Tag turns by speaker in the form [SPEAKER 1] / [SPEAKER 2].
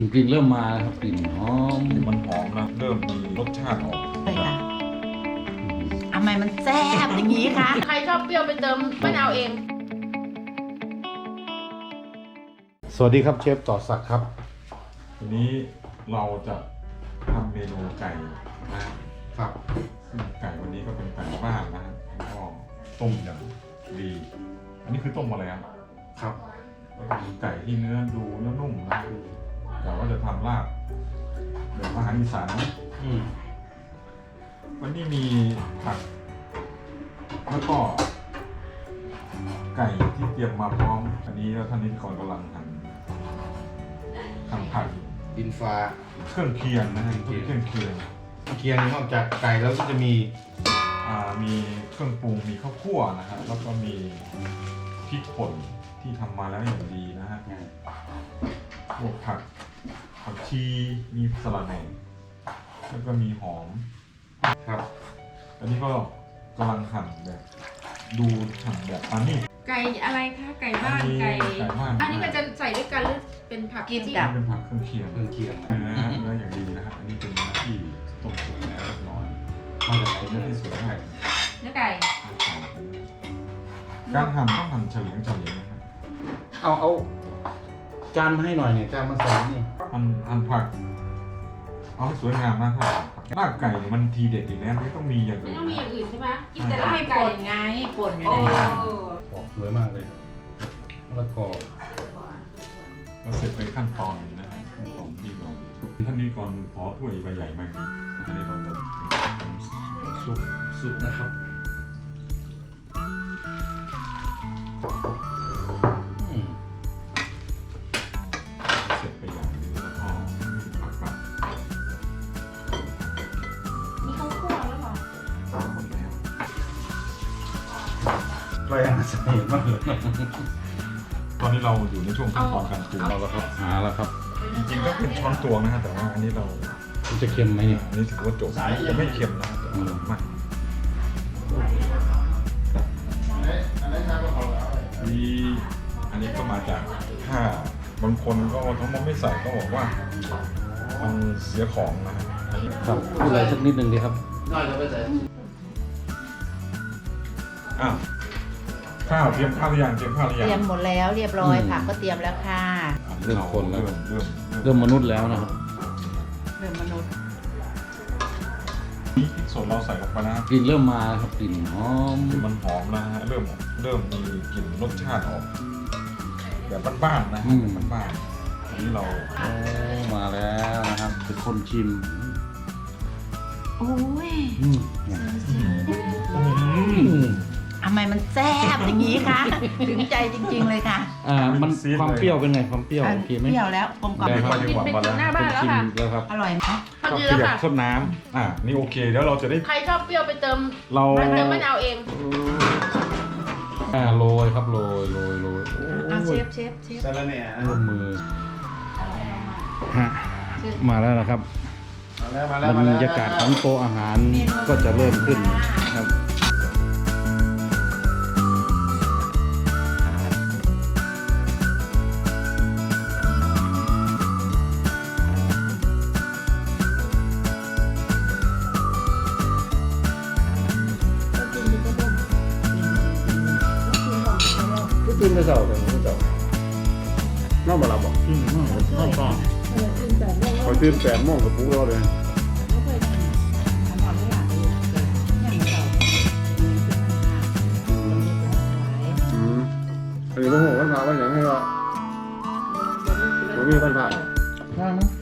[SPEAKER 1] กลิ่นเริ่มมาแล้วครับกลิ่นหอม
[SPEAKER 2] มันหอมนะเริ่มมีรสชาติออก
[SPEAKER 3] ใช่ค่ะทำไมมันแซ่บอย่างนี้คะ
[SPEAKER 4] ใครชอบเปรี้ยวไปเติมมะนาวเอง
[SPEAKER 1] สวัสดีครับเชฟต่อศักดิ์ครับ
[SPEAKER 2] ทีนี้เราจะทำเมนูไก่นะครับ ซึ่งไก่วันนี้ก็เป็นไก่บ้านนะแล้วก็ต้มอย่างดี อันนี้คือต้มมาแล้ว
[SPEAKER 1] ครับ
[SPEAKER 2] ก็คือไก่ที่เนื้อนุ่มนะแต่ว่าจะทำลาบแบบอาหารอีสานนะวันนี้มีผักแล้วก็ไก่ที่เตรียมมาพร้อม อันนี้แล้วท่านนิติกรกำลังหั่นผัก
[SPEAKER 1] ดินฟ้า
[SPEAKER 2] เครื่องเคียงนะฮะเครื่องเคียง
[SPEAKER 1] เคียงนอกจากไก่แล้วก็จะมี
[SPEAKER 2] มีเครื่องปรุงมีข้าวคั่วนะครับแล้วก็มีพริกป่นที่ทำมาแล้วอย่างดีนะฮะพวกผักชีมีสลัดแหน่แล้วก็มีหอม
[SPEAKER 1] ครับ
[SPEAKER 2] อันนี้ก็กำลังหั่นแบบหั่นแบบอันนี้
[SPEAKER 4] ไก่อะไรคะไก่บ้านไก่
[SPEAKER 2] บ้าน
[SPEAKER 4] อันนี้มันจะใส่ด้วยกันหรือเป็นผัก
[SPEAKER 3] กิน
[SPEAKER 4] จิ้ม
[SPEAKER 3] กับ
[SPEAKER 2] เป็นผักเครื่องเคียง
[SPEAKER 1] เครื่องเคียง
[SPEAKER 2] เนื้ออย่างดีนะครับอันนี้เป็นเนื้อที่ต้มสุกแล้วเรียบร้อย
[SPEAKER 1] มาจากไหน
[SPEAKER 2] เนื้อที่สวยมาก
[SPEAKER 4] เนื้อไก่
[SPEAKER 2] การหั่นต้องหั่นเฉลียงนะครับ
[SPEAKER 1] เอาจานมาให้หน่อยเนี่ยจานมาใส่นี่
[SPEAKER 2] หั่นผักเอาให้สวยงามนะครับลาบไก่เนี่ยมันทีเด็ดอีกแล้วไม่ต้องมีอย่าง
[SPEAKER 4] ไม่
[SPEAKER 2] อื่น
[SPEAKER 4] ต้องมีอย่างอื่นใช่ไหมกินแต่
[SPEAKER 3] แล้ว
[SPEAKER 4] ลาบ
[SPEAKER 3] ให้
[SPEAKER 4] ไก่
[SPEAKER 3] ป่นไงป่นอยู่
[SPEAKER 4] โอ้
[SPEAKER 3] ในนั้น
[SPEAKER 1] ออกสวยมากเลยแล้วก็
[SPEAKER 2] เราเสร็จไปขั้นตอนนี้นะครับขั้นตอนที่เราท่านนี้ก่อนขอถ้วยใบใหญ่มากอันนี้เราจะ
[SPEAKER 1] สุดนะครับอืม
[SPEAKER 2] เสร็จไปอย่างนี้แล้วก็ผักกับ
[SPEAKER 4] มีข้าวคั่วแล้วเหรอ
[SPEAKER 2] หมดแล้ว
[SPEAKER 1] ใกล้อาหารเสน่ห์มากเลย
[SPEAKER 2] ตอนนี้เราอยู่ในช่วงขั้นตอนการปรุง
[SPEAKER 1] เอาแล้วครับหาแล้วครับ
[SPEAKER 2] จริงๆก็เป็นช้อนตวงนะฮะแต่ว่าอันนี้เรา
[SPEAKER 1] มันจะเค็มไหมเนี่ย
[SPEAKER 2] อันนี้ถือว่าจบจะไม่เค็มนะแต่ว่าไม่อันนี้ก็มาจากถ้าบางคนก็ทั้งหมดไม่ใส่ก็บอกว่ามันเสียของนะฮะอันนี้
[SPEAKER 1] ครับพูดอะไรสักนิดหนึ่งดีครับ
[SPEAKER 2] อ้าวข้าวเตรียมข้าวหรือยังเตรียมข้าวหรือ
[SPEAKER 3] เต
[SPEAKER 2] ยัง
[SPEAKER 3] รียมหมดแล้วเรียบร้อยผักก็เตรียมแล้วค่ะ
[SPEAKER 1] เริ่มคนแล้ว
[SPEAKER 2] เริ่ม
[SPEAKER 1] เริ่มมนุษย์แล้วนะครับ
[SPEAKER 3] เรื่องมนุษย์
[SPEAKER 2] นี่พริกสดเราใส่ลงไปนะ
[SPEAKER 1] กลิ่นเริ่มมาแล้วครับกลิ่นหอม
[SPEAKER 2] มันหอมนะฮะเริ่มมีกลิ่นรสชาติออกแบบบ้านๆนะแบบบ้านๆอันนี้เรา
[SPEAKER 1] โอ้มาแล้วนะครับเป็นคนชิม
[SPEAKER 3] โอ้ย
[SPEAKER 1] อืม
[SPEAKER 3] ทำไมมันแซ่บอย่างนี้คะถึงใจจริงๆเลยค่ะ
[SPEAKER 1] มันความเปรี้ยวเป็นไงความเปรี้ยวโอเคไหม
[SPEAKER 3] เปรี้ยวแล้วกลมกล่อม
[SPEAKER 1] ได้ครับ
[SPEAKER 4] กินเป็นถึงหน้า
[SPEAKER 1] ค
[SPEAKER 4] บ้าน
[SPEAKER 1] น
[SPEAKER 4] แล้ว
[SPEAKER 1] ชิม
[SPEAKER 4] ค่ะ
[SPEAKER 1] แล้วครับ
[SPEAKER 3] อร่อยไหม
[SPEAKER 4] พอ
[SPEAKER 2] ก็
[SPEAKER 4] ดี
[SPEAKER 2] ข
[SPEAKER 4] แล้ว
[SPEAKER 2] ยับ
[SPEAKER 4] ค่ะ
[SPEAKER 2] ทดน้ำนี่โอเคแล้วเราจะได้
[SPEAKER 4] ใครชอบเปรี้ยวไปเติม
[SPEAKER 2] เรา
[SPEAKER 4] เติมมะนาวเอง
[SPEAKER 1] โรยครับโรยโรย
[SPEAKER 3] อ่ะเชฟ
[SPEAKER 1] ร่วมมือฮะมาแล้วนะครับบรรยากาศของโต๊ะอาหารก็จะเริ่มขึ้นครับตื่นแต่เช้าแต่ผมเช้าน้ามาลับบอกน้าป้าคอยตื่น8 โมงกับปุ๊กเราเลยอันนี้พวกผมก็ถามว่าอย่างให้ว่าผมมีปัญหาใช่ไหม